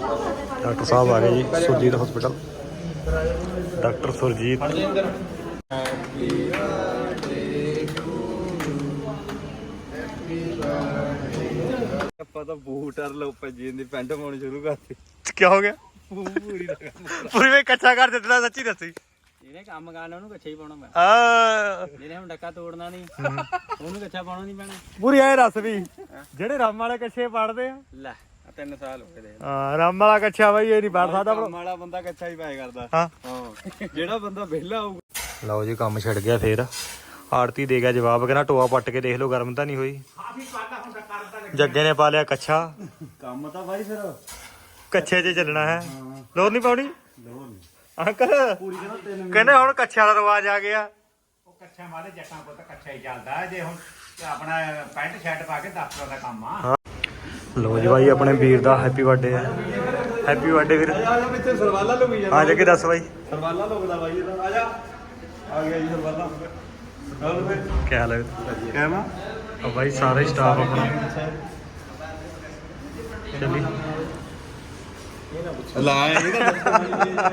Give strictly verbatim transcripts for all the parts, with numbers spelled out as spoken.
Doctor ਸਾਹਿਬ ਆ ਗਏ ਜੀ ਸੁਰਜੀਤ ਹਸਪੀਟਲ। ਡਾਕਟਰ ਸੁਰਜੀਤ ਆਪਾਂ ਤਾਂ ਬੂਟ ਅਰ ਲੋ ਭੱਜੀ ਦੀ ਪੈਂਟ ਪਾਉਣੀ ਸ਼ੁਰੂ ਕਰਤੀ। ਕੀ ਹੋ ਗਿਆ? ਪੂਰੀ ਦਾ ਪੂਰੀ ਵੇ ਕੱਚਾ ਕਰ ਦਿੱਤਾ, ਸੱਚੀ ਦੱਸੀ। ਇਹਨੇ ਕੰਮ ਕਰਨਾ ਉਹਨੂੰ ਕੱਚਾ ਹੀ ਪਾਉਣਾ ਮੈਂ। ਆ ਜਿਹਨੇ ਹੁਣ ਡੱਕਾ ਤੋੜਨਾ ਨਹੀਂ ਉਹਨੂੰ ਕੱਚਾ ਪਾਉਣਾ ਨਹੀਂ ਪੈਣਾ। ਪੂਰੀ ਐ ਦੱਸ ਵੀ ਜਿਹੜੇ ਰਾਮ ਵਾਲੇ ਕੱਛੇ ਪੜਦੇ ਆ ਲੈ ਤਿੰਨ ਸਾਲ ਹੋ ਗਏ। ਹਾਂ ਰਾਮ ਵਾਲਾ ਕੱਛਾ ਬਾਈ ਇਹ ਨਹੀਂ ਪੜ ਸਕਦਾ। ਕੰਮ ਵਾਲਾ ਬੰਦਾ ਕੱਚਾ ਹੀ ਪਾਇਆ ਕਰਦਾ। ਹਾਂ ਹਾਂ ਜਿਹੜਾ ਬੰਦਾ ਵਿਹਲਾ ਹੋਊਗਾ। ਲਓ ਜੀ ਕੰਮ ਛਿੜ ਗਿਆ ਫੇਰ। ਆੜਤੀ ਦੇ ਗਿਆ ਜਵਾਬ, ਕਹਿੰਦਾ ਟੋਆ ਪੱਟ ਕੇ ਦੇਖ ਲਓ ਗਰਮ ਤਾਂ ਨਹੀਂ ਹੋਈ। ਜੱਗੇ ਨੇ ਪਾ ਲਿਆ ਕੱਛਾ। ਕੰਮ ਤਾਂ ਬਾਈ ਫਿਰ ਕੱਛੇ 'ਚ ਚੱਲਣਾ ਹੈ। ਲੋਰ ਨਹੀਂ ਪਾਉਣੀ ਲੋੜ ਨਹੀਂ ਅੰਕਲ। ਪੂਰੀ ਕਹਿੰਦਾ ਤਿੰਨ ਕਹਿੰਦੇ ਹੁਣ ਕੱਛਿਆਂ ਦਾ ਰਿਵਾਜ ਆ ਗਿਆ। ਉਹ ਕੱਛਿਆਂ ਵਾਲੇ ਜੱਟਾਂ ਕੋਲ ਤਾਂ ਕੱਛਾ ਹੀ ਚੱਲਦਾ। ਜੇ ਹੁਣ ਆਪਣਾ ਪੈਂਟ ਸ਼ਰਟ ਪਾ ਕੇ ਦਫ਼ਤਰ ਦਾ ਕੰਮ ਆ। ਲੋ ਜੀ ਬਾਈ ਆਪਣੇ ਵੀਰ ਦਾ ਹੈਪੀ ਬਰਥਡੇ ਹੈ। ਹੈਪੀ ਬਰਥਡੇ ਵੀਰ। ਆ ਜਾ ਪਿੱਛੇ ਸਰਵਾਲਾ ਲੁਕੀ ਜਾਂਦਾ। ਆ ਜਾ ਕੇ ਦੱਸ ਬਾਈ। ਸਰਵਾਲਾ ਲੁਕਦਾ ਬਾਈ ਇਹਦਾ। ਆ ਜਾ ਆ ਗਿਆ ਜੀ ਸਰਵਾਲਾ। ਚੱਲ ਫੇ ਕੀ ਹਾਲ ਹੈ? ਕਹਿਮਾ ਆ ਬਾਈ ਸਾਰਾ ਹੀ ਸਟਾਫ ਆਪਣਾ ਚੱਲੀ। ਲਾ ਇਹਦਾ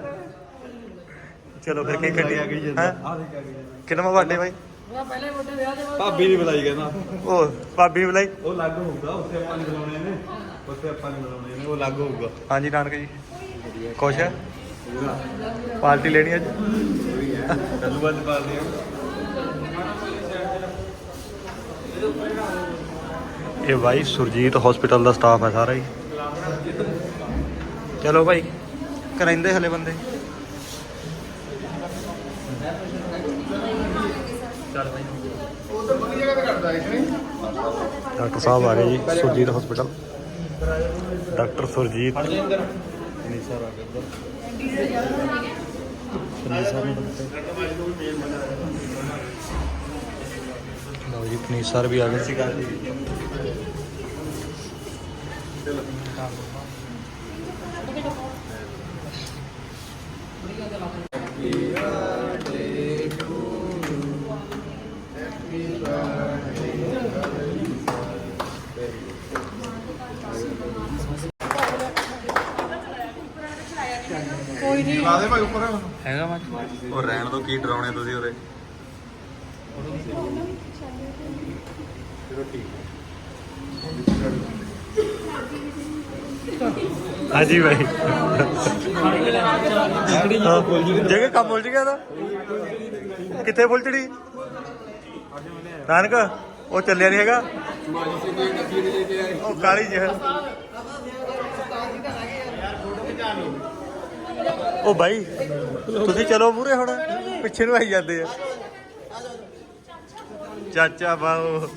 ਚਲੋ ਫਿਰ ਕੀ ਕੱਢੀ ਆ ਗਈ ਹੈ। ਆ ਦੇਖ ਆ ਗਈ ਕਿੰਨਾ ਬਰਥਡੇ ਬਾਈ? ਭਾਬੀ ਦੀ ਬੁਲਾਈ ਕਹਿੰਦਾ। ਉਹ ਭਾਬੀ ਬੁਲਾਈ। ਉਹ ਲੱਗ ਹੋਊਗਾ ਉੱਥੇ ਆਪਾਂ ਨਹੀਂ ਬੁਲਾਉਣੇ ਨੇ। ਉੱਥੇ ਆਪਾਂ ਨਹੀਂ ਬੁਲਾਉਣੇ ਨੇ ਉਹ ਲੱਗ ਹੋਊਗਾ। ਹਾਂਜੀ ਨਾਨਕ ਜੀ ਖੁਸ਼ ਹੈ? ਪਾਰਟੀ ਲੈਣੀ ਅੱਜ? ਕੱਲੂ ਬਾਅਦ ਪਾਲਦੇ ਆ। ਇਹ ਬਾਈ ਸੁਰਜੀਤ ਹਸਪੀਟਲ ਦਾ ਸਟਾਫ ਹੈ ਸਾਰਾ ਹੀ। ਚਲੋ ਭਾਈ ਕਰਾਂਦੇ ਹਲੇ ਬੰਦੇ। ਚੱਲ ਭਾਈ ਡਾਕਟਰ ਸਾਹਿਬ ਆ ਗਏ ਜੀ ਸੁਰਜੀਤ ਹਸਪੀਟਲ। ਡਾਕਟਰ ਸੁਰਜੀਤ ਲਓ ਜੀ ਪਨੀਰ ਸਰ ਵੀ ਆ ਗਏ ਸੀ। ਕੋਈ ਨਹੀਂ ਲਾ ਦੇ ਭਾਈ ਉੱਪਰ ਹੈਗਾ ਮੈਂ ਉਹ ਰਹਿਣ ਤੋਂ ਕੀ ਡਰਾਉਣੇ ਤੁਸੀਂ ਉਹਦੇ। ਹਾਂਜੀ ਭਾਈ ਜਗ੍ਹਾ ਕੰਮ ਉਲਝ ਗਿਆ ਤਾਂ ਕਿੱਥੇ ਫੁੱਲਚੜੀ ਨਾਨਕ ਉਹ ਚੱਲਿਆ ਨਹੀਂ ਹੈਗਾ। ਉਹ ਕਾਲੀ ਜਿਹੀ ਉਹ ਬਾਈ ਤੁਸੀਂ ਚਲੋ ਮੂਰੇ ਹੁਣ ਪਿੱਛੇ ਨੂੰ ਆਈ ਜਾਂਦੇ ਆ। ਚਾਚਾ ਬਾਓ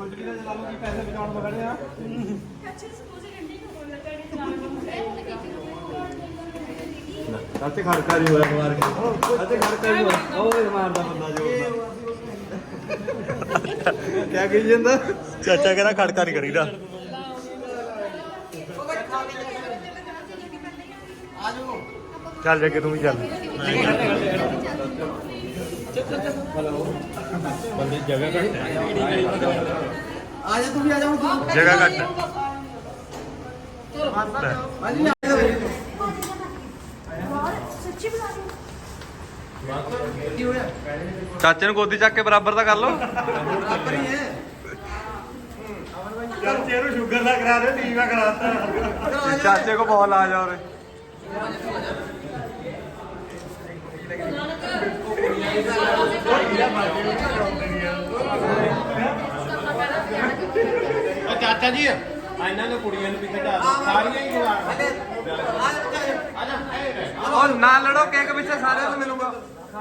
ਅੱਤੇ ਖੜਕਾ ਨਹੀਂ ਹੋਇਆ ਮਾਰ ਕੇ। ਅੱਤੇ ਖੜਕਾ ਨਹੀਂ ਹੋਇਆ ਉਹ ਮਾਰਦਾ ਬੰਦਾ ਜੋੜਦਾ। ਕਿਆ ਕਹੀ ਜਾਂਦਾ? ਚਾਚਾ ਕਹਿੰਦਾ ਖੜਕਾ ਨਹੀਂ ਕਰੀਦਾ। ਚੱਲ ਜਾ ਕੇ ਤੂੰ ਵੀ ਚੱਲ। ਬੰਦੇ ਜਗ੍ਹਾ ਘੱਟ ਆ ਜਾ ਤੂੰ ਵੀ ਆ ਜਾ ਹੁਣ। ਜਗ੍ਹਾ ਘੱਟ ਚਾਚੇ ਨੂੰ ਗੋਦੀ ਚੱਕ ਕੇ ਬਰਾਬਰ ਦਾ ਕਰ ਲਓ। ਬਰਾਬਰ ਹੀ ਹੈ। ਚਾਚੇ ਨੂੰ ਸ਼ੂਗਰ ਦਾ ਕਰਾ ਦੇ, ਟੀਕਾ ਕਰਾਤਾ। ਚਾਚੇ ਕੋ ਬਹੁਤ ਲਾਜ ਆ ਉਰੇ। ਚਾਚਾ ਜੀ ਇਹਨਾਂ ਨੇ ਕੁੜੀਆਂ ਨੂੰ ਵੀ ਖਿਡਾ ਸਾਰੀਆਂ ਹੀ ਉਹ ਨਾ ਲੜੋ, ਕੇਕ ਪਿੱਛੇ ਸਾਰਿਆਂ ਨੂੰ ਮਿਲੂਗਾ।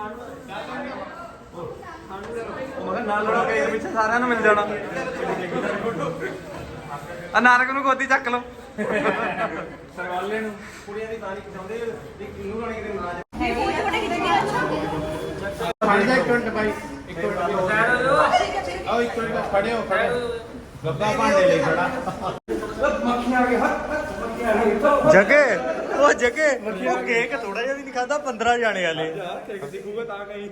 ਮੈਂ ਕਿਹਾ ਨਾ ਲੜੋ, ਕੇਕ ਪਿੱਛੇ ਸਾਰਿਆਂ ਨੂੰ ਮਿਲ ਜਾਣਾ। ਆ ਨਾਨਕ ਨੂੰ ਗੋਦੀ ਚੱਕ ਲਓ। ਸਰਵਾਲੇ ਨੂੰ ਕੁੜੀਆਂ ਦੀ ਤਾਰੀਖ ਚਾਹੁੰਦੇ ਵੀ ਕਿੰਨੂ ਰਾਣੀ ਦੇ ਨਾਮ ਫੜਦਾ ਇੱਕ ਮਿੰਟ ਭਾਈ, ਇੱਕ ਮਿੰਟ ਆਓ, ਇੱਕ ਮਿੰਟ ਖੜੇ ਹੋ, ਖੜੇ ਹੋ। ਗੱਬਾ ਭਾਂਡੇ ਲਈ ਖੜਾ। ਮੱਖੀਆਂ ਆ ਗਏ ਹੱਥ ਮੱਖੀਆਂ ਆ ਗਏ। ਜਗੇ ਉਹ ਜਗੇ ਉਹ ਕੇਕ ਥੋੜਾ ਜਿਹਾ ਵੀ ਨਹੀਂ ਖਾਦਾ। ਪੰਦਰਾਂ ਜਾਣੇ ਵਾਲੇ ਕੇਕ ਦਿਖੂਗਾ ਤਾਂ ਕਹੀਂ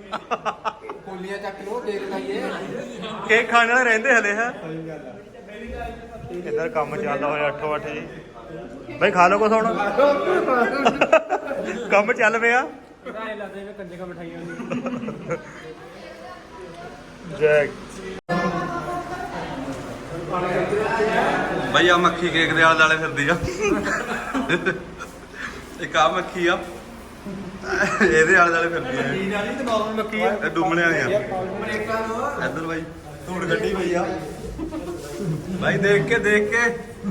ਕੋਲੀਆਂ ਚੱਕ ਲੋ, ਦੇਖ ਲਾਈਏ। ਕੇਕ ਖਾਣ ਵਾਲੇ ਰਹਿੰਦੇ ਹਲੇ ਹੈ। ਸਹੀ ਗੱਲ ਆ। ਇੱਧਰ ਕੰਮ ਚੱਲਦਾ ਹੋਇਆ ਅੱਠੋ ਅੱਠ ਜੀ ਬਈ ਖਾ ਲਓ ਕੁਛ ਹੁਣ ਕੰਮ ਚੱਲ ਪਿਆ ਕਿਰਾਏ ਲਾਦੇ ਵੇ ਕੰਜੇ ਕਾ ਮਠਾਈਆਂ ਹੁੰਦੀਆਂ ਜੈਕ ਬਈ ਆ ਮੱਖੀ ਕੇਕ ਦੇ ਆਲੇ ਦੁਆਲੇ ਫਿਰਦੀ ਆ ਇੱਕ ਆ ਮੱਖੀ ਆ ਇਹਦੇ ਆਲੇ ਦੁਆਲੇ ਫਿਰਦੀ ਆ ਚੀਨ ਵਾਲੀ ਤੇ ਨਾਰਮਲ ਮੱਕੀ ਆ ਇਹ ਡੁੰਮਣੇ ਵਾਲੀਆਂ ਇੱਧਰ ਬਾਈ ਧੂੜ ਗੱਡੀ ਪਈ ਆ ਬਾਈ ਦੇਖ ਕੇ ਦੇਖ ਕੇ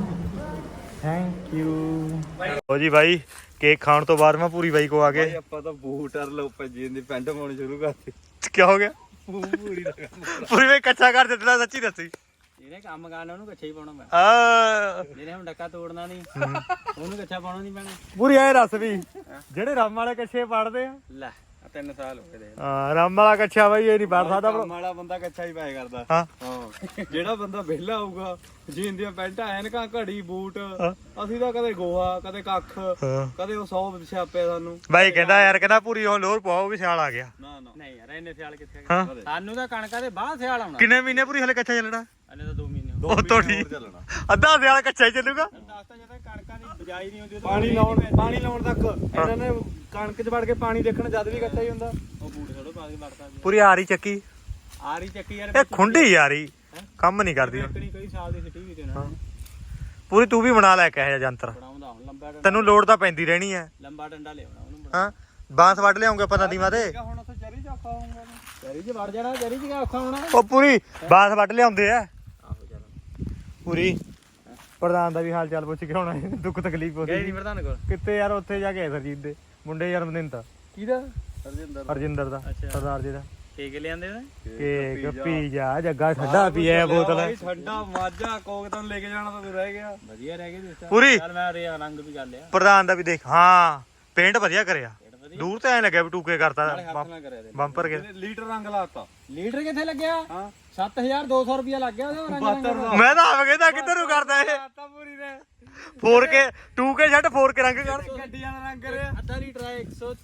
ਥੈਂਕ ਯੂ ਹੋ ਜੀ ਬਾਈ ਕੇਕ ਖਾਣ ਤੋਂ ਬਾਅਦ ਮੈਂ ਪੂਰੀ ਬਾਈ ਕੋ ਆ ਗਏ ਆਪਾਂ ਤਾਂ ਬੂਟ ਅਰ ਲੋ ਭੱਜੀ ਦੀ ਪੈਂਟ ਪਾਉਣੀ ਸ਼ੁਰੂ ਕਰਤੀ ਕੀ ਹੋ ਗਿਆ ਪੂਰੀ ਪੂਰੀ ਬਾਈ ਕੱਚਾ ਕਰ ਦਿੱਤਾ ਸੱਚੀ ਦੱਸੀ ਇਹਨੇ ਕੰਮ ਕਰਨਾ ਉਹਨੂੰ ਕੱਛਾ ਹੀ ਪਾਉਣਾ ਮੈਂ ਆ ਜਿਹਨੇ ਹੁਣ ਡੱਕਾ ਤੋੜਨਾ ਨਹੀਂ ਉਹਨੂੰ ਕੱਛਾ ਪਾਉਣਾ ਨਹੀਂ ਪੈਣਾ ਪੂਰੀ ਐ ਦੱਸ ਵੀ ਜਿਹੜੇ ਰਾਮ ਵਾਲੇ ਕੱਛੇ ਪੜਦੇ ਆ ਲੈ ਆ ਤਿੰਨ ਸਾਲ ਹੋ ਗਏ ਦੇ ਹਾਂ ਰਾਮ ਵਾਲਾ ਕੱਛਾ ਬਾਈ ਇਹ ਨਹੀਂ ਪੜ ਸਕਦਾ ਕੰਮ ਵਾਲਾ ਬੰਦਾ ਕੱਚਾ ਹੀ ਪਾਇਆ ਕਰਦਾ ਹਾਂ ਹਾਂ ਜਿਹੜਾ ਬੰਦਾ ਵਿਹਲਾ ਹੋਊਗਾ ਜੀਨ ਦੀਆਂ ਪੈਂਟਾਂ ਐਨਕਾਂ ਘੜੀ ਬੂਟ ਅਸੀਂ ਤਾਂ ਕਦੇ ਗੋਹਾ ਕਦੇ ਕੱਖ ਹਾਂ ਕਦੇ ਉਹ ਸੌ ਛਾਪੇ ਸਾਨੂੰ ਬਾਈ ਕਹਿੰਦਾ ਯਾਰ ਕਹਿੰਦਾ ਪੂਰੀ ਹੁਣ ਲੋਰ ਪਾਓ ਵੀ ਸਿਆਲ ਆ ਗਿਆ ਨਾ ਨਾ ਨਹੀਂ ਯਾਰ ਇਹਨੇ ਸਿਆਲ ਕਿੱਥੇ ਹਾਂ ਸਾਨੂੰ ਤਾਂ ਕਣਕਾਂ ਦੇ ਬਾਅਦ ਸਿਆਲ ਆਉਣਾ ਕਿੰਨੇ ਮਹੀਨੇ ਪੂਰੀ ਹਲੇ ਕੱਚਾ ਚੱਲਣਾ ਹਲੇ ਤਾਂ ਦੋ ਮਹੀਨੇ ਉਹ ਤੋਂ ਠੀਕ ਅੱਧਾ ਸਿਆਲ ਕੱਚਾ ਹੀ ਚੱਲੂਗਾ ਦੱਸਤਾ ਜਦੋਂ ਕਣਕਾਂ ਦੀ ਬਜਾਈ ਨਹੀਂ ਹੁੰਦੀ ਪਾਣੀ ਲਾਉਣ ਪਾਣੀ ਲਾਉਣ ਤੱਕ ਇਹਨਾਂ ਨੇ ਕਣਕ 'ਚ ਵੜ ਕੇ ਪਾਣੀ ਦੇਖਣ ਜਦ ਵੀ ਕੱਚਾ ਹੀ ਹੁੰਦਾ ਉਹ ਬੂਟ ਛੋੜੋ ਪਾ ਕੇ ਵੜਦਾ ਜੀ ਪੂਰੀ ਆਰੀ ਚੱਕੀ ਆਰੀ ਚੱਕੀ ਯਾਰ ਇਹ ਖੁੰਡੀ ਯਾਰੀ ਕੰਮ ਨਹੀਂ ਕਰਦੀ ਕਣੀ ਕਈ ਸਾਲ ਦੀ ਸਿੱਟੀ ਵੀ ਤੇ ਨਾ ਪੂਰੀ ਤੂੰ ਵੀ ਬਣਾ ਲੈ ਕੇ ਇਹ ਜੰਤਰ ਬਣਾਉਂਦਾ ਹੁਣ ਲੰਬਾ ਡੰਡਾ ਤੈਨੂੰ ਲੋੜ ਤਾਂ ਪੈਂਦੀ ਰਹਿਣੀ ਹੈ ਲੰਬਾ ਡੰਡਾ ਲਿਆਉਣਾ ਉਹਨੂੰ ਬਣਾ ਹਾਂ ਬਾਂਸ ਵੱਢ ਲਿਆਉਂਗੇ ਆਪਾਂ ਨਦੀਵਾਂ ਤੇ ਹੁਣ ਉੱਥੇ ਚਰੀ ਚ ਔਖਾ ਹੋਊਗਾ ਚਰੀ 'ਚ ਵੜ ਜਾਣਾ ਚਰੀ 'ਚ ਕਿਆ ਔਖਾ ਹੋਣਾ ਉਹ ਪੂਰੀ ਬਾਂਸ ਵੱਢ ਲਿਆਉਂਦੇ ਆ ਆਹੋ ਚਲੋ ਪੂਰੀ ਪ੍ਰਧਾਨ ਦਾ ਵੀ ਹਾਲ ਚਾਲ ਪੁੱਛ ਕੇ ਆਉਣਾ ਦੁੱਖ ਤਕਲੀਫ ਗਏ ਉਹਦੀ ਨਹੀਂ ਪ੍ਰਧਾਨ ਕੋਲ ਕਿੱਥੇ ਯਾਰ ਉੱਥੇ ਜਾ ਕੇ ਆਏ ਸਰਜੀਤ ਦੇ ਮੁੰਡੇ ਜਨਮ ਦਿਨ ਤਾਂ ਕਿਹਦਾ ਸਰਜਿੰਦਰ ਹਰਜਿੰਦਰ ਦਾ ਅੱਛਾ। ਸਰਦਾਰ ਜੀ ਦਾ ਕੇਕ ਲਿਆਂਦੇ ਨੇ ਕੇਕ ਪੀਜ਼ਾ ਜੱਗਾ ਠੰਡਾ ਪੀਏ ਬੋਤਲ ਬਾਈ ਠੰਡਾ ਮਾਝਾ ਕੋਕ ਤਾਂ ਲੈ ਕੇ ਜਾਣਾ ਤਾਂ ਤੂੰ ਰਹਿ ਗਿਆ ਵਧੀਆ ਰਹਿ ਗਏ ਦੋਸਤਾਂ ਪੂਰੀ ਚੱਲ ਮੈਂ ਰਿਆ ਰੰਗ ਵੀ ਕਰ ਲਿਆ ਪ੍ਰਧਾਨ ਦਾ ਵੀ ਦੇਖ ਹਾਂ ਪੇਂਟ ਵਧੀਆ ਕਰਿਆ ਪੇਟ ਵਧੀਆ ਦੂਰ ਤਾਂ ਐ ਲੱਗਿਆ ਵੀ ਟੂਕੇ ਕਰਤਾ ਨਾਲੇ ਹੱਥ ਨਾਲ ਕਰਿਆ ਦੇ ਬੰਪਰ ਕੇ ਲੀਟਰ ਰੰਗ ਲਾਤਾ ਲੀਟਰ ਕਿੱਥੇ ਲੱਗਿਆ ਹਾਂ ਸੱਤ ਹਜ਼ਾਰ ਦੋ ਸੌ ਰੁਪਿਆ ਲੱਗ ਗਿਆ ਉਹਦਾ ਰੰਗ ਰੰਗ ਦਾ ਮੈਂ ਤਾਂ ਆਪ ਕਹਿੰਦਾ ਕਿੱਧਰ ਨੂੰ ਕਰਦਾ ਇਹ ਲਾਤਾ ਪੂਰੀ ਨੇ ਫੋਰ ਕੇ ਟੂ ਕੇ ਛੱਡ ਫੋਰ ਕੇ ਰੰਗ ਕਰ ਗੱਡੀਆਂ ਦਾ ਰੰਗ ਕਰਿਆ ਅੱਧਾ ਲੀਟਰ ਹੈ ਇੱਕ ਸੌ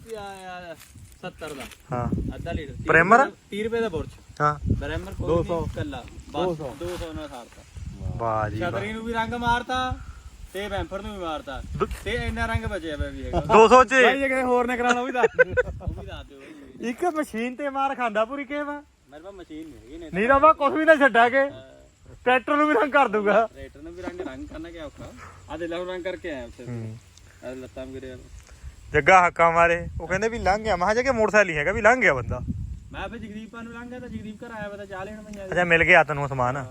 ਸੱਤਰ ਦਾ ਹਾਂ ਅੱਧਾ ਲੀਟਰ ਤੀਹ ਪ੍ਰਿਮਰ? ਰੁਪਏ ਦਾ- ਤੀਹ ਰੁਪਏ ਦਾ ਬੁਰਸ਼ ਹਾਂ ਬ੍ਰੈਮਰ ਕੋਈ ਦੋ ਸੌ ਕੱਲਾ ਦੋ ਸੌ ਦੋ ਸੌ ਨਾਲ ਸਾਰਤਾ ਵਾਹ ਜੀ ਵਾਹ। ਛਤਰੀ ਨੂੰ ਵੀ ਰੰਗ ਮਾਰਤਾ ਤੇ ਬੈਂਫਰ ਨੂੰ ਵੀ ਮਾਰਤਾ ਦੋ- ਤੇ ਇੰਨਾ ਰੰਗ ਬਚਿਆ ਪਿਆ ਵੀ ਹੈਗਾ ਦੋ ਸੌ ਚ ਜੇ ਕਿਤੇ ਹੋਰ ਨੇ ਕਰਾਣਾ ਉਹ ਵੀ ਦੱਸ ਉਹ ਵੀ ਦੱਸ ਦਿਓ ਬਾਈ। ਇੱਕ ਮਸ਼ੀਨ ਤੇ ਮਾਰ ਖਾਂਦਾ ਪੂਰੀ ਕੇ ਵਾ ਮੇਰੇ ਪਾਸ ਮਸ਼ੀਨ ਨਹੀਂ ਹੈਗੀ ਨੇ ਨਹੀਂ ਤਾਂ ਮੈਂ ਕੁਝ ਵੀ ਨਾ ਛੱਡਾਂਗੇ ਟਰੈਕਟਰ ਨੂੰ ਵੀ ਰੰਗ ਕਰ ਦੂਗਾ ਰੇਟਰ ਨੂੰ ਵੀ ਰੰਗ ਰੰਗ ਕਰਨਾ ਕਿਆ ਔਖਾ ਆ ਦੇ ਲਓ ਰੰਗ ਕਰਕੇ ਆਇਆ ਉੱਥੇ ਆ ਲੱਤਾਂ ਮੇਰੇ ਜੱਗਾ ਹੱਕਾਂ ਮਾਰੇ ਉਹ ਕਹਿੰਦੇ ਵੀ ਲੰਘ ਗਿਆ ਮਹਾ ਜਗੇ ਮੋਟਰਸਾਈਕਲ ਹੀ ਹੈਗਾ ਵੀ ਲੰਘ ਗਿਆ ਬੰਦਾ ਮੈਂ ਫਿਰ ਜਗਦੀਪਾਂ ਨੂੰ ਲੰਘ ਗਿਆ ਤਾਂ ਜਗਦੀਪ ਘਰ ਆਇਆ ਪਤਾ ਚਾਹ ਲੈਣ ਮੈਂ ਅੱਛਾ ਮਿਲ ਗਿਆ ਤੈਨੂੰ ਸਮਾਨ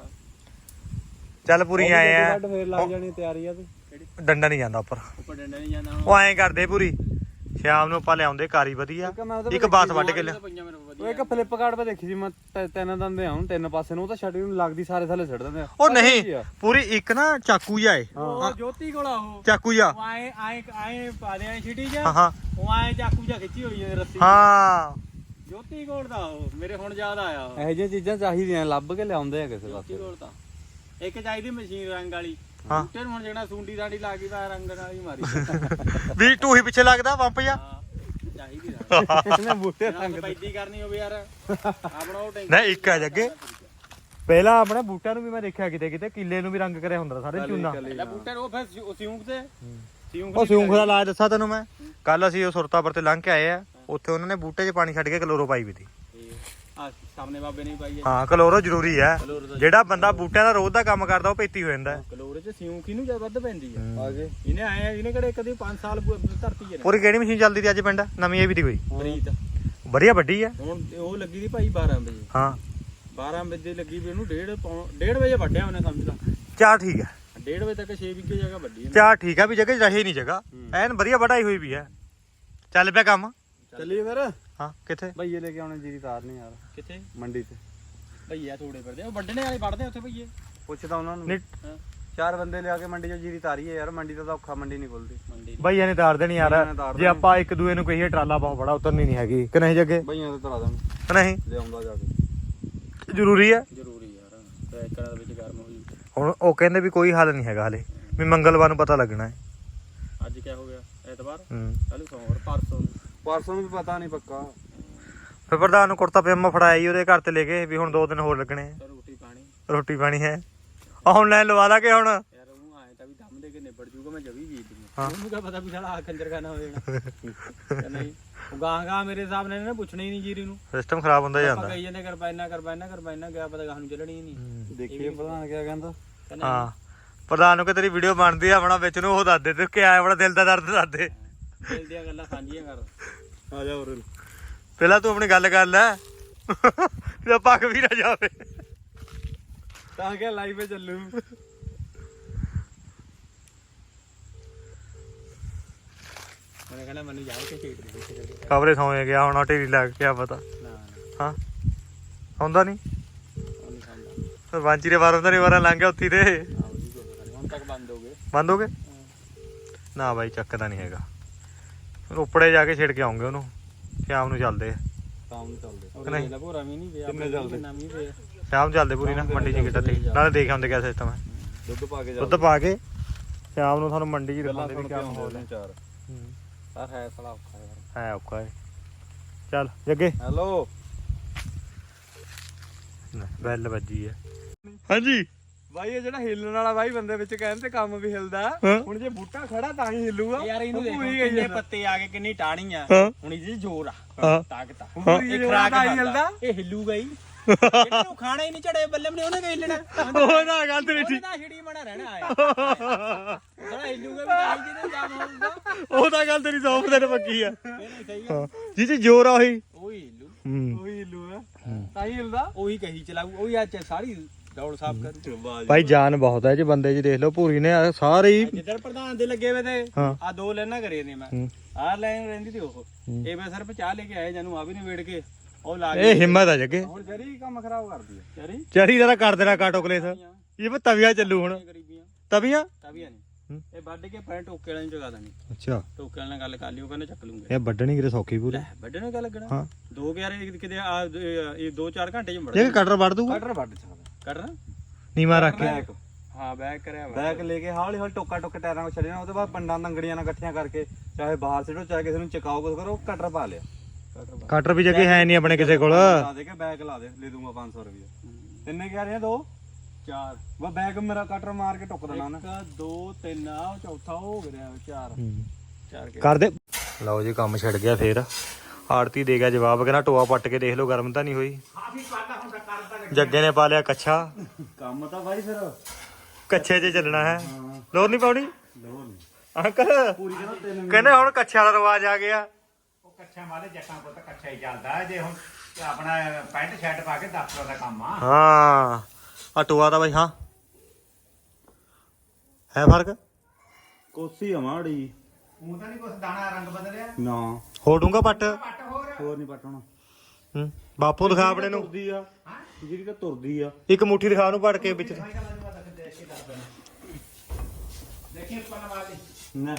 ਚੱਲ ਪੂਰੀ ਆਏ ਆ ਫੇਰ ਲੱਗ ਜਾਣੀ ਤਿਆਰੀ ਆ ਤੂੰ ਡੰਡਾ ਨਹੀਂ ਜਾਂਦਾ ਉੱਪਰ ਉੱਪਰ ਡੰਡਾ ਨਹੀਂ ਜਾਂਦਾ ਉਹ ਐਂ ਕਰਦੇ ਪੂਰੀ ਸ਼ਾਮ ਨੂੰ ਆਪਾਂ ਲਿਆਉਂਦੇ ਕਾਰੀ ਵਧੀਆ ਇੱਕ ਬਾਸ ਵੱਢ ਕੇ ਲਿਆ ਪਈਆਂ ਮੈਨੂੰ ਉਹ ਵਧੀਆ ਇੱਕ ਫਲਿੱਪਕਾਰਟ 'ਤੇ ਦੇਖੀ ਸੀ ਮੈਂ ਤ- ਤਿੰਨ ਦੰਦੇ ਆਉਣ ਤਿੰਨ ਪਾਸੇ ਨੂੰ ਉਹ ਤਾਂ ਛੱਡੀ ਨੂੰ ਲੱਗਦੀ ਸਾਰੇ ਥੱਲੇ ਛੱਡ ਦਿੰਦੇ ਆ ਉਹ ਨਹੀਂ ਪੂਰੀ ਇੱਕ ਨਾ ਚਾਕੂ ਜਿਹਾ ਏ ਉਹ ਜੋਤੀ ਕੋਲ ਆ ਉਹ ਚਾਕੂ ਜਿਹਾ ਉਹ ਆਏ ਆਏ ਆਏ ਪਾ ਦੇ ਛਿਟੀ ਹਾਂ ਜਾ ਹਾਂ ਉਹ ਆਏ ਚਾਕੂ ਜਾ ਖਿੱਚੀ ਹੋਈ ਹੈ ਰੱਸੀ ਹਾਂ ਜੋਤੀ ਕੋਲ ਦਾ ਉਹ ਮੇਰੇ ਹੁਣ ਯਾਦ ਆਇਆ ਉਹ ਇਹੋ ਜਿਹੀਆਂ ਚੀਜ਼ਾਂ ਚਾਹੀਦੀਆਂ ਲੱਭ ਕੇ ਲਿਆਉਂਦੇ ਆ ਕਿਸੇ ਜੋਤੀ ਪਾਸੇ ਕੋਲ ਤਾਂ ਇੱਕ ਚਾਹੀਦੀ ਮਸ਼ੀਨ ਰੰਗ ਵਾਲੀ ਹਾਂ। ਬੂਟੇ ਨੂੰ ਹੁਣ ਜਿਹੜਾ ਸੁੰਡੀ ਸਾਡੀ ਲਾ ਗਈ ਤਾਂ ਰੰਗ ਨਾਲ ਹੀ ਮਾਰੀ ਵੀ ਟੂ ਹੀ ਪਿੱਛੇ ਲੱਗਦਾ ਪੰਪ ਜਿਹਾ ਹਾਂ, ਚਾਹੀਦੀ ਰੰਗ ਇਹਨੇ ਬੂਟੇ ਰੰਗ ਪੈਦੀ ਕਰਨੀ ਹੋਵੇ ਯਾਰ ਆਪਣਾ ਉਹ ਟੈਂਕ ਨਹੀਂ ਇੱਕ ਹੈ ਜੱਗੇ ਪਹਿਲਾਂ ਆਪਣੇ ਬੂਟਿਆਂ ਨੂੰ ਵੀ ਮੈਂ ਦੇਖਿਆ ਕਿਤੇ ਕਿਤੇ ਕਿੱਲੇ ਨੂੰ ਵੀ ਰੰਗ ਕਰਿਆ ਹੁੰਦਾ ਸਾਰੇ ਚੂਨਾ ਲੈ ਬੂਟੇ ਨੂੰ ਉਹ ਫਿਰ ਸਿਉ- ਸਿਉਂਕ ਤੇ ਸਿਉਂਕ ਉਹ ਸਿਉਂਖ ਦਾ ਲਾਜ ਦੱਸਾਂ ਤੈਨੂੰ ਮੈਂ ਕੱਲ ਅਸੀਂ ਉਹ ਸੁਰਤਾਪੁਰ ਤੇ ਲੰਘ ਕੇ ਆਏ ਆ ਉੱਥੇ ਉਹਨਾਂ ਨੇ ਬੂਟੇ 'ਚ ਪਾਣੀ ਛੱਡ ਕੇ ਕਲੋਰੋ ਪਾਈ ਵੀ ਤੀ ਆ ਸਾਹਮਣੇ ਬਾਬੇ ਨੇ ਪਾਈ ਹੈ ਹਾਂ ਕਲੋਰੋ ਜ਼ਰੂਰੀ ਹੈ ਕਲੋਰ ਦਾ ਜਿਹੜਾ ਬੰਦਾ ਬੂਟਿਆਂ ਦਾ ਰੋਜ਼ ਦਾ ਕੰਮ ਕਰਦਾ ਉਹ ਪੇਤੀ ਹੋ ਜਾਂਦਾ ਹੈ। ਕਲੋਰੇ ਚ ਸਿਉਂਕ ਹੀ ਨੂੰ ਜ਼ਿਆਦਾ ਵੱਧ ਪੈਂਦੀ ਹੈ ਆ ਗਏ ਇਹਨੇ ਆਏ ਆ ਇਹਨੇ ਕਿਹੜੇ ਕਦੇ ਪੰਜ ਸਾਲ ਪੂ- ਧਰਤੀ ਚ ਨੇ ਪੂਰੀ ਕਿਹੜੀ ਮਸ਼ੀਨ ਚੱਲਦੀ ਤੀ ਅੱਜ ਪਿੰਡ ਨਵੀਂ ਇਹ ਵੀ ਤੀ ਕੋਈ ਪ੍ਰੀਤ ਵਧੀਆ ਵੱਡੀ ਹੈ ਹੁਣ ਉਹ ਲੱਗੀ ਦੀ ਭਾਈ ਬਾਰਾਂ ਵਜੇ ਹਾਂ ਬਾਰਾਂ ਵਜੇ ਲੱਗੀ ਵੀ ਉਹਨੂੰ ਡੇਢ ਪੌਣ ਡੇਢ ਵਜੇ ਵੱਢਿਆ ਉਹਨੇ ਸਮਝ ਲਾ ਚਾਰ ਠੀਕ ਹੈ ਡੇਢ ਵਜੇ ਤੱਕ ਛੇ ਵਿਗੇ ਜਗ੍ਹਾ ਵੱਢੀ ਇਹਨੇ। ਚਾਰ ਠੀਕ ਆ ਵੀ ਜਗ੍ਹਾ 'ਚ ਰਹੇ ਨਹੀਂ ਜਗ੍ਹਾ ਐਨ ਵਧੀਆ ਵਢਾਈ ਹੋਈ ਵੀ ਹੈ ਚੱਲ ਪਿਆ ਕੰਮ ਚੱਲੀਏ ਫਿਰ ਹਾਂ ਕਿੱਥੇ ਭਈਏ ਲੈ ਕੇ ਆਉਣੇ ਜੀਰੀ ਤਾਰ ਨਹੀਂ ਯਾਰ ਕਿੱਥੇ ਮੰਡੀ 'ਚ ਭਈਆ ਥੋੜੇ ਫਿਰਦੇ ਉਹ ਵੱਢਣੇ ਵਾਲੇ ਵੱਢਦੇ ਉੱਥੇ ਭਈਏ ਪੁੱਛਦਾ ਉਹਨਾਂ ਨੂੰ ਨਹੀਂ ਹਾਂ ਚਾਰ ਬੰਦੇ ਲਿਆ ਕੇ ਮੰਡੀ 'ਚ ਜੀਰੀ ਤਾਰੀਏ ਯਾਰ ਮੰਡੀ ਤੋਂ ਤਾਂ ਔਖਾ ਮੰਡੀ ਨਹੀਂ ਖੁੱਲਦੀ ਮੰਡੀ ਦੀ। ਬਈਆ ਨੇ ਤਾਰ ਦੇਣੀ ਯਾਰ ਬਈਆਂ ਨੇ ਤਾਰ ਜੇ ਦੇਣੀ। ਆਪਾਂ ਇੱਕ ਦੂਏ ਨੂੰ ਕਹੀਏ ਟਰਾਲਾ ਬਹੁਤ ਬੜਾ ਉਤਰਨੀ ਨਹੀਂ ਹੈਗੀ ਕਿ ਨਹੀਂ ਜੱਗੇ ਭਈਆਂ ਤੇ ਤਰਾ ਦੇਣ ਕਿ ਨਹੀਂ ਲਿਆਉਂਦਾ ਜਾ ਕੇ ਜ਼ਰੂਰੀ ਹੈ ਜ਼ਰੂਰੀ ਯਾਰ ਟਰੈਕਟਰਾਂ ਦੇ ਵਿੱਚ ਗਰਮ ਹੋਈ ਹੁਣ ਉਹ ਕਹਿੰਦੇ ਵੀ ਕੋਈ ਹੱਲ ਨਹੀਂ ਹੈਗਾ ਹਲੇ ਵੀ ਮੰਗਲਵਾਰ ਨੂੰ ਪਤਾ ਲੱਗਣਾ ਹੈ ਅੱਜ ਕਿਆ ਹੋ ਗਿਆ ਐਤਵਾਰ ਹੂੰ ਕੱਲ ਸੋਮਵਾਰ ਪਰਸੋਂ ਨੂੰ ਪਰਸੋਂ ਨੂੰ ਵੀ ਪਤਾ ਨਹੀਂ ਪੱਕਾ ਫਿਰ ਪ੍ਰਧਾਨ ਨੂੰ ਕੁੜਤਾ ਪਜਾਮਾ ਫੜਾਇਆ ਜੀ ਉਹਦੇ ਘਰ ਤੇ ਲੈ ਕੇ ਵੀ ਹੁਣ ਦੋ ਦਿਨ ਹੋਰ ਲੱਗਣੇ ਆ। ਤਾਂ ਰੋਟੀ ਪਾਣੀ ਰੋਟੀ ਪਾਣੀ ਹੈ ਆਨਲਾਈਨ ਲਵਾ ਲਾਂਗੇ ਹੁਣ। ਯਾਰ ਉਹ ਆਏ ਤਾਂ ਵੀ ਦਮ ਦੇ ਕੇ ਨਿਬੜ ਜੂਗਾ ਮੈਂ ਜਵੀ ਵੇਚ ਦੂੰਗਾ ਉਹਨੂੰ ਕਿਆ ਪਤਾ ਵੀ ਸਾਲਾ ਆ ਕੰਜਰ ਖਾਨਾ ਹੋ ਜਾਣਾ ਨਹੀਂ ਉਹ ਗਾਂ ਗਾਂ ਮੇਰੇ ਹਿਸਾਬ ਨਾਲ ਇਹਨੇ ਪੁੱਛਣਾ ਹੀ ਨਹੀਂ ਜੀਰੀ ਨੂੰ ਸਿਸਟਮ ਖਰਾਬ ਹੁੰਦਾ ਜਾਂਦਾ। ਕਹੀ ਜਾਂਦੇ ਕਰਪਾਇਨਾ ਕਰਪਾਇਨਾ ਕਰਪਾਇਨਾ ਗਿਆ ਪਤਾ ਗਾਂ ਨੂੰ ਚੱਲਣੀ ਹੀ ਨਹੀਂ। ਦੇਖੀਏ ਪ੍ਰਧਾਨ ਕਿਆ ਕਹਿੰਦਾ। ਹਾਂ ਪ੍ਰਧਾਨ ਨੂੰ ਕਿ ਤੇਰੀ ਵੀਡੀਓ ਬਣਦੀ ਆ ਆਪਣਾ ਵਿੱਚ ਨੂੰ ਉਹ ਦੱਸ ਦੇ ਤੂੰ ਕਿਆ ਆਪਣਾ ਦਿਲ ਦਾ ਦਰਦ ਦੱਸ ਦੇ। ਦਿਲ ਦੀਆਂ ਗੱਲਾਂ ਸਾਂਝੀਆਂ ਕਰ ਆ ਜਾ ਹੋਰ ਪਹਿਲਾਂ ਤੂੰ ਆਪਣੀ ਗੱਲ ਕਰ ਲੈ ਤੇ ਪੱਕ ਵੀ ਨਾ ਜਾਵੇ ਤਾਂ ਕਿ ਲਾਈਵ 'ਤੇ ਚੱਲੂ। ਮੈਂ ਕਹਿੰਦਾ ਮੈਨੂੰ ਜਾ ਕੇ ਖੇਡ ਦੇ ਖਬਰੇ ਸੌਂ ਗਿਆ ਹੁਣ ਢੇਰੀ ਲੱਗ ਗਿਆ ਪਤਾ। ਹਾਂ ਹੁੰਦਾ ਨਹੀਂ ਸਰਪੰਚੀ ਦੇ ਵਾਰ ਉਹਨਾਂ ਦੇ ਵਾਰਾਂ ਲੰਘ ਗਿਆ ਉੱਥੀ ਤੇ ਹੁਣ ਤੱਕ ਬੰਦ ਹੋ ਗਏ ਬੰਦ ਹੋ ਗਏ ਨਾ ਬਾਈ ਚੱਕਦਾ ਨਹੀਂ ਹੈਗਾ। ਰੋਪੜੇ ਜਾ ਕੇ ਛਿੜ ਕੇ ਆਉਂਗੇ ਉਹਨੂੰ ਸ਼ਾਮ ਨੂੰ ਚੱਲਦੇ ਸ਼ਾਮ ਨੂੰ ਚੱਲਦੇ ਨਹੀਂ ਭੋਰਾ ਵੀ ਨਹੀਂ ਪਿਆ ਕਿੰਨੇ ਚੱਲਦੇ ਨਵੀਂ ਪਿਆ ਸ਼ਾਮ ਚੱਲਦੇ ਪੂਰੀ ਨਾ ਮੰਡੀ 'ਚ ਕਿੱਟਾ ਤੇ ਨਾਲੇ ਦੇਖ ਆਉਂਦੇ ਕਿਆ ਸਿਸਟਮ ਹੈ। ਦੁੱਧ ਪਾ ਕੇ ਦੁੱਧ ਪਾ ਕੇ ਸ਼ਾਮ ਨੂੰ ਤੁਹਾਨੂੰ ਮੰਡੀ 'ਚ ਦਿਖਾਉਂਦੇ ਵੀ ਕਿਆ ਮਾਹੌਲ ਹੈ। ਚਾਰ ਪਰ ਹੈ ਸਾਲਾ ਔਖਾ ਯਾਰ ਹੈ ਔਖਾ ਹੈ। ਚੱਲ ਜੱਗੇ ਹੈਲੋ ਬੈਲ ਵੱਜੀ ਹੈ। ਹਾਂਜੀ ਬਾਈ ਇਹ ਜਿਹੜਾ ਹਿੱਲਣ ਵਾਲਾ ਬਾਈ ਬੰਦੇ ਵਿੱਚ ਕਹਿੰਦੇ ਕੰਮ ਵੀ ਹਿਲਦਾ ਹੁਣ ਜੇ ਬੂਟਾ ਖੜਾ ਤਾਂ ਹੀ ਹਿੱਲੂਗਾ ਯਾਰ। ਇਹਨੂੰ ਦੇਖੋ ਕਿੰਨੇ ਪੱਤੇ ਆ ਗਏ ਕਿੰਨੀ ਟਾਹਣੀ ਆ ਹੁਣ ਇਹਦੇ ਜ਼ੋਰ ਆ ਤਾਕਤ ਆ ਇਹ ਖਰਾਕ ਹਿਲਦਾ ਇਹ ਹਿੱਲੂਗਾ ਹੀ ਇਹਨੂੰ ਖਾਣਾ ਹੀ ਨਹੀਂ ਝੜੇ ਬੱਲੇ ਨੇ ਉਹਨੇ ਕਿ ਹਿੱਲਣਾ ਉਹ ਨਾ ਗੱਲ ਤੇਰੀ ਠੀਕ ਉਹਦਾ ਛਿੜੀ ਮਣਾ ਰਹਿਣਾ ਆਇਆ ਜਿਹੜਾ ਹਿੱਲੂਗਾ ਵੀ ਤਾਂ ਹੀ ਜਿਹਦੇ ਜਾਮ ਹੋਊਗਾ ਉਹ ਤਾਂ ਗੱਲ ਤੇਰੀ ਸੌ ਪ੍ਰਸੈਂਟ ਪੱਕੀ ਆ ਜੀ ਜੀ ਜ਼ੋਰ ਆ ਉਹੀ ਉਹੀ ਹਿੱਲੂ ਹੂੰ ਉਹੀ ਹਿੱਲੂਗਾ ਤਾਂ ਹੀ ਹਿਲਦਾ ਉਹੀ ਕਹੀ ਚਲਾਊ ਉਹੀ ਅੱਜ ਸਾਰੀ ਦੌੜ ਸਾਫ ਕਰ ਭਾਈ ਜਾਨ ਬਹੁਤ ਹੈ ਜੀ ਬੰਦੇ ਜੀ ਦੇਖ ਲਓ ਪੂਰੀ ਨੇ ਸਾਰੇ ਹੀ ਜਿੱਧਰ ਪ੍ਰਧਾਨ ਦੇ ਲੱਗੇ ਵੇ ਤੇ ਹਾਂ ਆ ਦੋ ਲੈਣਾ ਕਰੇ ਨੇ ਮੈਂ ਆਹ ਲਾਈਨ ਰਹਿੰਦੀ ਤੇ ਉਹ ਇਹ ਮੈਂ ਸਿਰਫ ਚਾਹ ਲੈ ਕੇ ਆਏ ਜਾਨੂੰ ਆ ਵੀ ਨਹੀਂ ਵੇੜ ਕੇ ਉਹ ਲਾ ਇਹ ਹਿੰਮਤ ਆ ਜੱਗੇ ਹੁਣ ਜਰੀ ਕੰਮ ਖਰਾਬ ਕਰਦੀ ਹੈ ਜਰੀ ਚਰੀ ਜਰਾ ਕਰ ਦੇਣਾ ਕਾਟੋ ਕਲੇਸ ਇਹ ਵੀ ਤਵੀਆਂ ਚੱਲੂ ਹੁਣ ਗਰੀਬੀਆਂ ਤਵੀਆਂ ਤਵੀਆਂ ਨਹੀਂ ਇਹ ਵੱਢ ਕੇ ਪੈਰ ਟੋਕੇ ਵਾਲੇ ਨੂੰ ਜਗਾ ਦੇਣੀ ਅੱਛਾ ਟੋਕੇ ਵਾਲੇ ਨਾਲ ਗੱਲ ਕਰ ਲਈ ਉਹ ਕਹਿੰਦੇ ਚੱਕ ਲੂੰਗੇ ਇਹ ਵੱਢਣੀ ਕਿਤੇ ਸੌਖੀ ਪੂਰੀ ਵੱਢੇ ਨੂੰ ਗੱਲ ਲੱਗਣਾ ਹਾਂ ਦੋ ਗਿਆਰੇ ਕਿਤੇ ਆ ਇਹ ਦੋ ਚਾਰ ਘੰਟੇ ਚ ਵੜ ਇਹ ਕਟਰ ਵੱਢ ਦੂਗਾ ਕਟਰ ਵੱਢ ਸਕਦਾ ਕਟਰ ਨੀਮਾ ਰੱਖ ਕੇ ਹਾਂ ਬੈਕ ਕਰਿਆ ਬੈਕ ਲੈ ਕੇ ਹੌਲੀ ਹੌਲੀ ਟੋਕਾ ਟੋਕੇ ਟਾਇਰਾਂ ਵਿੱਚ ਛੱਡਣਾ ਉਹਦੇ ਬਾਅਦ ਪੰਡਾਂ ਨੰਗੜੀਆਂ ਨਾਲ ਇਕੱਠੀਆਂ ਕਰਕੇ ਚਾਹੇ ਬਾਹਰ ਸਿੱਟੋ ਚਾਹੇ ਕਿਸੇ ਨੂੰ ਚਕਾਓ ਕੁਝ ਕਰੋ ਕਟਰ ਪਾ ਲਿਆ ਕਟਰ ਵੀ ਜੱਗੇ ਹੈ ਨਹੀਂ ਆਪਣੇ ਕਿਸੇ ਕੋਲ ਲਾ ਦੇ ਕੇ ਬੈਕ ਲਾ ਦੇ ਲੈ ਦੂੰਗਾ ਪੰਜ ਸੌ ਰੁਪਏ ਤਿੰਨੇ ਕਹਿ ਰਹੇ ਆ ਦੋ ਚਾਰ ਵਾ ਬੈਕ ਮੇਰਾ ਕਟਰ ਮਾਰ ਕੇ ਟੁੱਕ ਦੇਣਾ ਉਹਨੇ ਇੱਕ ਦੋ ਤਿੰਨ ਆ ਚੌਥਾ ਹੋ ਗਿਆ ਚਾਰ ਚਾਰ ਕਰ ਦੇ ਲਓ ਜੀ ਕੰਮ ਛੱਡ ਗਿਆ ਫੇਰ ਆੜਤੀ ਦੇ ਗਿਆ ਜਵਾਬ ਕਹਿੰਦਾ ਟੋਆ ਪੱਟ ਕੇ ਦੇਖ ਲਓ ਗਰਮ ਤਾਂ ਨਹੀਂ ਹੋਈ ਜੱਗੇ ਨੇ ਪਾ ਲਿਆ ਕੱਛਾ ਕੰਮ ਤਾਂ ਬਾਈ ਫਿਰ ਕੱਛੇ 'ਚ ਚੱਲਣਾ ਹੈ ਲੋਰ ਨਹੀਂ ਪਾਉਣੀ ਲੋਰ ਨਹੀਂ ਅੰਕਲ ਪੂਰੀ ਕਹਿੰਦਾ ਤਿੰਨ ਕਹਿੰਦੇ ਹੁਣ ਕੱਛੇ ਵਾਲਾ ਰਿਵਾਜ ਆ ਗਿਆ। ਉਹ ਕੱਛਾ ਮਾਰੇ ਜੱਟਾਂ ਕੋਲ ਤਾਂ ਕੱਛਾ ਹੀ ਚੱਲਦਾ ਜੇ ਹੁਣ ਆਪਣਾ ਪੈਂਟ ਸ਼ਰਟ ਪਾ ਕੇ ਦਫ਼ਤਰ ਦਾ ਕੰਮ ਆ। ਹਾਂ ਆ ਟੋਆ ਦਾ ਬਾਈ ਹਾਂ ਹੈ ਫਰਕ ਕੋਸੀ ਆ ਮਾੜੀ ਉਹ ਤਾਂ ਨਹੀਂ ਕੁਛ ਦਾਣਾ ਰੰਗ ਬਦਲਿਆ ਨਾ ਹੋ ਡੂੰਗਾ ਪੱਟ ਪੱਟ ਹੋਰ ਹੋਰ ਨਹੀਂ ਪਟਣਾ ਹੂੰ ਬਾਪੂ ਦਿਖਾ ਆਪਣੇ ਨੂੰ ਤੁਰਦੀ ਆ ਜਿਹੜੀ ਤਾਂ ਤੁਰਦੀ ਆ ਇੱਕ ਮੁੱਠੀ ਦਿਖਾ ਨੂੰ ਪੜ ਕੇ ਵਿੱਚ ਦੇਖੀ ਉੱਪਰ ਵਾਲੀ ਨਾ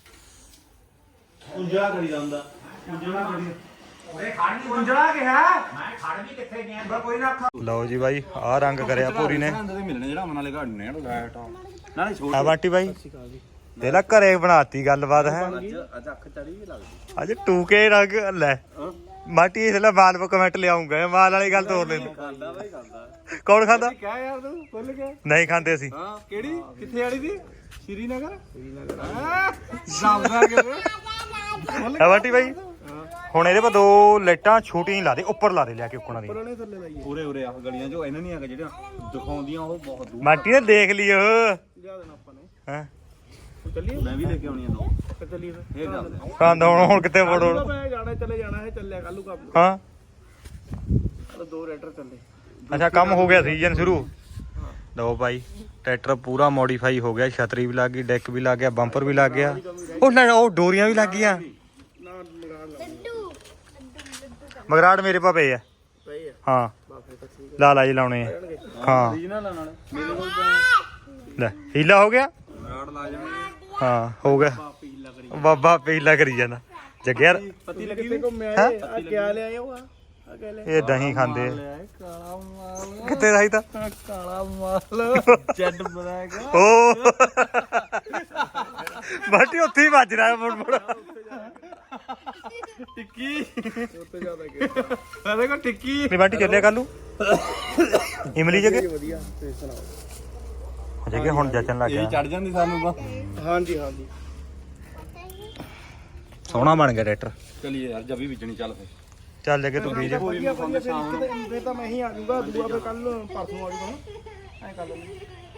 ਉਂਜਲਾ ਕਰੀ ਜਾਂਦਾ ਉਂਜਲਾ ਕਰੀ ਓਏ ਖੜ ਨਹੀਂ ਉਂਜਲਾ ਕਿਹਾ ਮੈਂ ਖੜ ਵੀ ਕਿੱਥੇ ਗਿਆ ਬਾ ਕੋਈ ਨਾ ਲਓ ਜੀ ਬਾਈ ਆਹ ਰੰਗ ਕਰਿਆ ਪੂਰੀ ਨੇ ਮਿਲਣੇ ਜਿਹੜਾ ਮਨ ਵਾਲੇ ਘਾੜਨੇ ਆ ਲਾਈਟ ਨਾਲੇ ਛੋੜ ਆ ਬਾਟੀ ਬਾਈ ਦੇ ਲਾ ਘਰੇ ਬਣਾਤੀ ਗੱਲਬਾਤ ਹੈ ਅੱਜ ਅੱਖ ਚੜੀ ਵੀ ਲੱਗਦੀ ਅੱਜ ਟੂਕੇ ਰੰਗ ਲੈ ਮਾਟੀ ਇਸ ਲਈ ਮਾਲ ਪੋ ਕਮੈਂਟ ਲਿਆਉਂਗਾ ਮਾਲ ਵਾਲੀ ਗੱਲ ਤੋੜ ਲੈਂਦੇ ਖਾਂਦਾ ਬਾਈ ਖਾਂਦਾ ਕੌਣ ਖਾਂਦਾ ਕਿਆ ਯਾਰ ਤੂੰ ਖੁੱਲ ਗਿਆ ਨਹੀਂ ਖਾਂਦੇ ਅਸੀਂ ਹਾਂ ਕਿਹੜੀ ਕਿੱਥੇ ਵਾਲੀ ਦੀ ਸ਼੍ਰੀਨਗਰ ਸ਼੍ਰੀਨਗਰ ਜਾਉਂਦਾ ਕਿਵੇਂ ਆ ਬਾਟੀ ਬਾਈ ਹੁਣ ਇਹਦੇ ਪਾ ਦੋ ਲਾਈਟਾਂ ਛੋਟੀਆਂ ਹੀ ਲਾ ਦੇ ਉੱਪਰ ਲਾ ਦੇ ਲਿਆ ਕੇ ਉੱਕਣਾ ਦੀ ਉਰੇ ਉਰੇ ਆ ਗਲੀਆਂ ਜੋ ਇਹਨਾਂ ਨਹੀਂ ਹੈਗਾ ਜਿਹੜੀਆਂ ਦਿਖਾਉਂਦੀਆਂ ਉਹ ਬਹੁਤ ਦੂਰ ਮਾਟੀ ਨੇ ਦੇਖ ਲਈ ਉਹ ਲਿਆ ਦੇਣਾ ਆਪਾਂ ਨੇ ਹਾਂ ਚੱਲੀਏ ਮੈਂ ਵੀ ਲੈ ਕੇ ਆਉਣੀ ਆ ਦੋ ਚੱਲੀਏ ਫਿਰ ਇਹ ਜਾਂਦੇ ਖਾਂਦਾ ਹੁਣ ਹੁਣ ਕਿੱਥੇ ਫੋੜੋ ਮੈਂ ਜਾਣਾ ਚੱਲੇ ਜਾਣਾ ਹੈ ਚੱਲਿਆ ਕੱਲੂ ਕੰਮ ਹਾਂ ਦੋ ਰੈਟਰ ਚੱਲੇ ਅੱਛਾ ਕੰਮ ਹੋ ਗਿਆ ਸੀਜ਼ਨ ਸ਼ੁਰੂ ਲਓ ਭਾਈ ਟਰੈਕਟਰ ਪੂਰਾ ਮੋਡੀਫਾਈ ਹੋ ਗਿਆ ਛਤਰੀ ਵੀ ਲੱਗ ਗਈ ਡੈਕ ਵੀ ਲੱਗ ਗਿਆ ਬੰਪਰ ਵੀ ਲੱਗ ਗਿਆ ਉਹ ਨਾ ਉਹ ਡੋਰੀਆਂ ਵੀ ਲੱਗ ਗਈਆਂ ਮਗਰਾੜ ਮੇਰੇ ਪਾ ਪਏ ਆ ਹਾਂ ਲਾ ਲਾ ਜੀ ਲਾਉਣੇ ਆ ਹਾਂ ਰੀਜਨਲ ਨਾਲ ਮੇਰੇ ਕੋਲ ਲੈ ਹੀਲਾ ਹੋ ਗਿਆ ਰਾੜ ਲਾ ਜਾਣਗੇ ਹਾਂ ਹੋ ਗਿਆ ਪੀਲਾ ਕਰੀ ਬਾਬਾ ਪੀਲਾ ਕਰੀ ਜਾਂਦਾ ਜੱਗਿਆ ਪਤੀ ਲੱਗੀ ਤੇ ਘੁੰਮਿਆ ਆ ਕਿਆ ਲਿਆਏ ਉਹ ਆ ਆ ਕਿਆ ਲਿਆ ਇਹ ਦਹੀਂ ਖਾਂਦੇ ਆ ਕਾਲਾ ਮਾਲ ਕਿੱਥੇ ਰਹੀ ਤਾਂ ਕਾਲਾ ਮਾਲ ਜੱਡ ਬਣਾਏਗਾ ਓ ਬਾਟੀ ਉੱਥੇ ਹੀ ਵੱਜ ਰਿਹਾ ਮੁੜ ਮੁੜ ਟਿੱਕੀ ਉੱਤੇ ਜ਼ਿਆਦਾ ਕਿ ਮੈਂ ਦੇਖੋ ਟਿੱਕੀ ਨਹੀਂ ਬਾਟੀ ਚੱਲਿਆ ਕੱਲ ਨੂੰ ਇਮਲੀ ਜਗੇ ਵਧੀਆ ਤੁਸੀਂ ਸੁਣਾਓ ਜਗੇ ਹੁਣ ਜਚਣ ਲੱਗ ਗਿਆ ਚੜ ਜਾਂਦੀ ਸਾਨੂੰ ਤਾਂ ਹਾਂਜੀ ਹਾਂਜੀ ਸੋਹਣਾ ਬਣ ਗਿਆ ਟਰੈਕਟਰ ਚਲੀਏ ਯਾਰ ਜੱਬੀ ਵਿਚਣੀ ਚੱਲ ਫੇ ਚੱਲ ਜਗੇ ਤੂੰ ਬੀਜ ਵਧੀਆ ਵਧੀਆ ਫਿਰ ਇੱਕ ਤਾਂ ਮੈਂ ਹੀ ਆ ਜਾਊਗਾ ਦੂਆ ਫਿਰ ਕੱਲ ਪਰਸੋਂ ਆ ਜਾਊਗਾ ਐ ਕਰ ਲੈਂਦੇ